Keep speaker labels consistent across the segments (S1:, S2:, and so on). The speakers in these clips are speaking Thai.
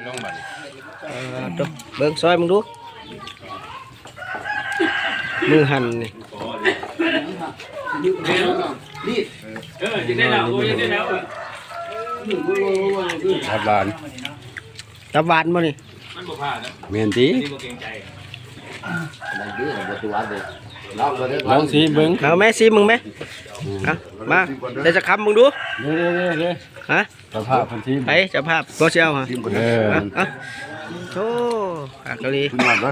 S1: ต้องบัด
S2: เบิ่งซอยมึงดูมือหั่นนี่
S1: ยังได้แล้วยังได้แล้วตับบาน
S2: ตับหวานบ่นี่
S1: มันบ่พลาดนะ
S3: เมียนตี
S1: นี่บ่เกรงใจ
S3: ลองสิเบิ้ง
S2: เอาแม่ซิมึงไหมเอามาเดี๋ยวจะคำมึงดู
S3: เด้
S2: ฮะ
S3: สภาพพันที
S2: ไปเจะภาพบ่เชียวฮะเอาโธ่อากะลี
S3: คุณหมดเลย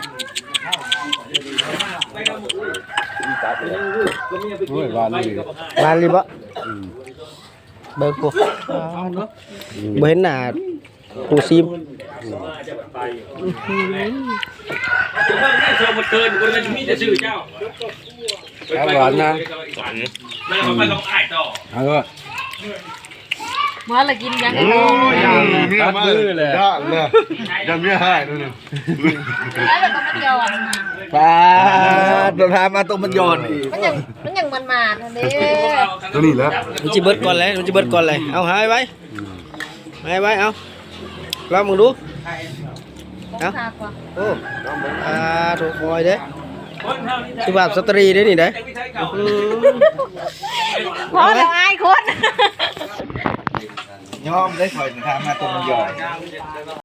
S3: โอ้ยวานนี่
S2: บานลีบ่เบิ่งกูบ่เห็นหน้ากูซิม
S1: จะว่าได้เชิญหมดเกินคนจะมีแต่ชื่อเจ้า
S3: หวานนะ
S1: แล้วเขาไปลองอ่านต่อ
S3: เอาก็
S4: มาละกินยังไง
S3: ตัดมือเลย
S5: ยังไม่ให้นู่น
S4: แล้วก็มันย้อน
S5: ปลาโดนพามาตรงมันย้อนอีก
S4: มันยังมันมาทันเด้
S5: ตัวนี้แล้ว
S2: มันจะเบิดก่อนเลยมันจะเบิดก่อนเลยเอาหายไว้เอาลองมึงดู
S4: ต้องทากว่า
S2: โอ้ถูกคอยเด้สุภาพสตรีเด้นี่เด้
S4: พอแล้วอายคน
S5: ยอมได้ถอยทางมาตรงมันย้อน